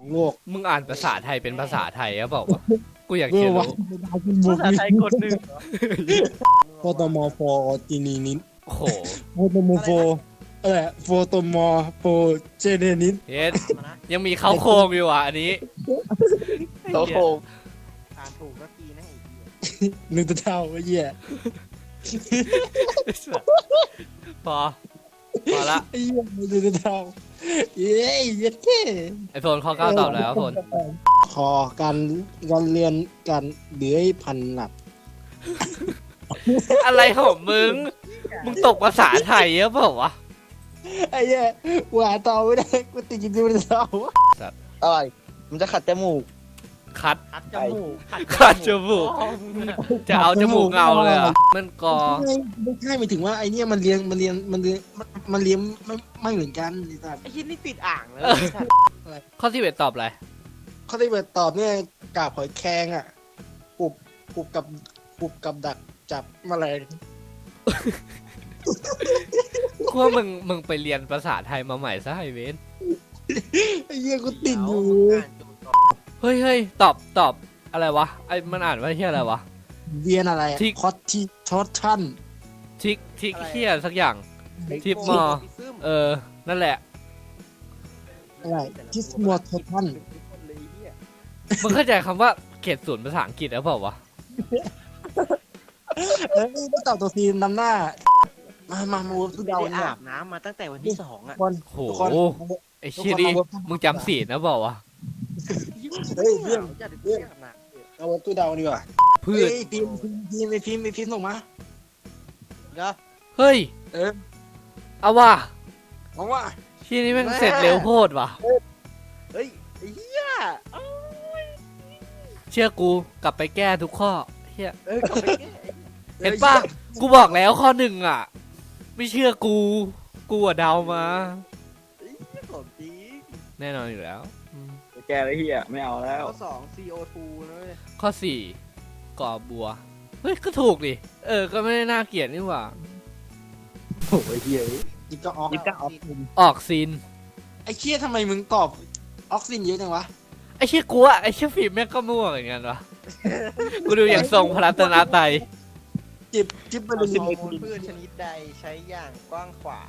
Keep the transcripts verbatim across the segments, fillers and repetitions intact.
ของโลกมึงอ่านภาษาไทยเป็นภาษาไทยหรือเปล่าวะกูอยากเขียนรู้ภาษาไทยกดหนึ่งโฟโตมอร์โฟจีนีนินโอ้โหโฟโตมอร์โฟเออโฟโตมอร์โฟเจเนนินเฮ็ดยังมีเขาโครงอยู่อ่ะอันนี้โตโคอ่านถูกสักทีนะไอ้เหี้ยหนึ่งตัวเท่าไอ้เหี้ยพอพอละไอ้เหี้ยหนึ่งตัวเท่าเย้เย็ดแค่ไอโฟนข้อเก้าตอบแล้วโฟนขอการการเรียนการเดือยพันหลักอะไรของมึง มึงตกภาษาไทยหรือเปล่าวะไอ้เหี้ยกูหาต่อไม่ได้กูติดอยู่ที่ตัวเท่าอะไรมันจะขัดจมูกคัดขัดจมูกคัดจมูก จะเอาจมูกเงาเลยเหรอ่ะมันกอไม่ไม่ใช่หมายถึงว่าไอ้เนี่ยมันเรียนมันเรียนมันเรียนมันมันเรียนไม่ไม่เหมือนกันไอ้สัสไอ้ชิ้นนี่ติดอ่างเลยข้อที่เบ็ดตอบอะไรเขาได้เปิดตอบเนี่ยกาบหอยแครงอ่ะปุบปุบกับปุบกับดักจับแมลงกูว่ามึงมึงไปเรียนภาษาไทยมาใหม่ซะไอเวนไอ้เหี้ยกูติดอยู่เฮ้ยเฮ้ยตอบตอบอะไรวะไอมันอ่านว่าเฮียอะไรวะเรียนอะไรอะที่คอตที่ชอตชั่นทิกทิกเฮียสักอย่าง ทิปมอ เออ นั่นแหละอะไรทิสมัวทอชั่นมึงเข้าใจคำว่าเขตศูนย์ภาษาอังกฤษหรือเปล่าวะเอ้ยไม่ตอบตัวทีนำหน้า มามามาวัดทุกไม่ดาวได้เนี่ยอาบน้ำมาตั้งแต่วันที่สองอ่ะคนโหทุกคนไอเชี่ยนี่มึงจำศีลนะเปล่าวะเฮ้ยเพื่อนจะได้เพื่อนอาบน้ำเอาวัดทุกดาวดีกว่าพืชเฮ้ยพิมพ์พิมพ์พิมพ์ไอ้พิมพ์ไอ้พิมพ์ส่งมาเนาะเฮ้ยเออเอาว่ะเพราะว่าเชี่ยนี่แม่งเสร็จเร็วโคตรว่ะเฮ้ยไอ้เหี้ยเอ้าเชื่อกูกลับไปแก้ทุกข้อเฮียเออกลับไปแก้เห็นป่ะ กูบอกแล้วข้อหนึ่งอ่ะ ไม่เชื่อกู กูอะเดามาไอ้เหี้ยของจริงแน่นอนอยู่แล้วอืมแกไอ้เหี้ยไม่เอาแล้วข้อสอง ซี โอ ทู นะเว้ยข้อสี่ก่อบัว เฮ้ย ก็ถูกดิ เออ ก็ไม่ได้น่าเกลียดนี่หว่าโอ้ยเฮียยิบก็ออกยิบก็ออกออกซีนไอ้เคียทำไมมึงตอบออกซินเยอะจังวะไอ้เชี่ยกูอะไอ้เชี่ยฟิล์มแม่งก็มั่วเหมือนกันวะ กูดูอย่างทรงพระรัตนตรัยจิบจิบไปเลยฮอร์โมนพืชชนิดใดใช้อย่างกว้างขวาง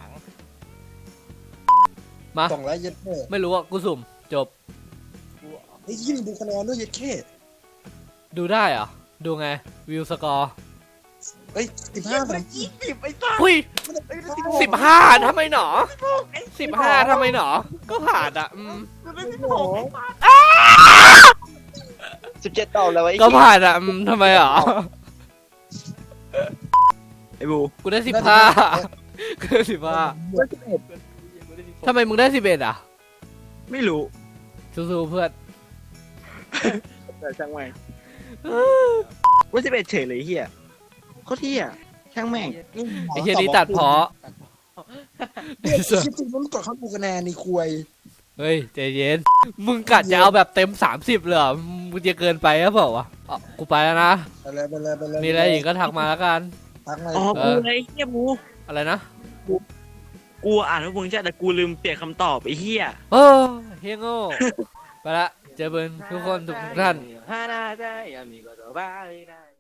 มาสองร้อยเย็ดแค่ไม่รู้อะกูสุ่ม จบไอ้ยี่ดูคะแนนด้วยเย็ดแค่ดูได้เหรอ ดูไง วิวสกอร์เฮ้ยสิบเหี้ห้ายมันยี่สิบไอ้สัสหุ้ยไอ้สิบสิบห้าทำไมหนอสิบห้าทำไมหนอ ก็ผ่านอะอืมมันได้สิบหกไอ้สัสสิบเจ็ดตอบแล้วไอ้ก็ผ่านอะอืมทำไมหรอไอ้บูกูได้สิบห้ากูได้สิบห้าก็สิบเอ็ดทำไมมึงได้สิบเอ็ดอ่ะไม่รู้สู้ๆเพื่อนแต่ช่างแม่งว่าสิบเอ็ดเฉยเลยไอ้เหี้ยโคตรเหี้ยช่างแม่งไอ้เฮียนี่ตัดเพาะไอ้เหี้ยคิดถึงมันกดเข้าดูคะแนนในควยเฮ้ยใจเย็น มึงกัดจะเอาแบบเต็มสามสิบเลยเหรอมึงจะเกินไปหรือเปล่าวะอ๋อกูไปแล้วนะไปเลยไปเลยไปเลยมีอะไรอีกก็ทักมาแล้วกันทักมาอ๋อเอกูอไอ้เหี้ยบูอะไรนะกูอ่านว่ามึงใช่แต่กูลืมเปลี่ยนคำตอบไอ้เหี้ยโอ้เฮียโง่ ไปละ เจอเบิร์นทุกคนทุกท่านฮานาได้ยามีก็ตัวบ้าเลยนะ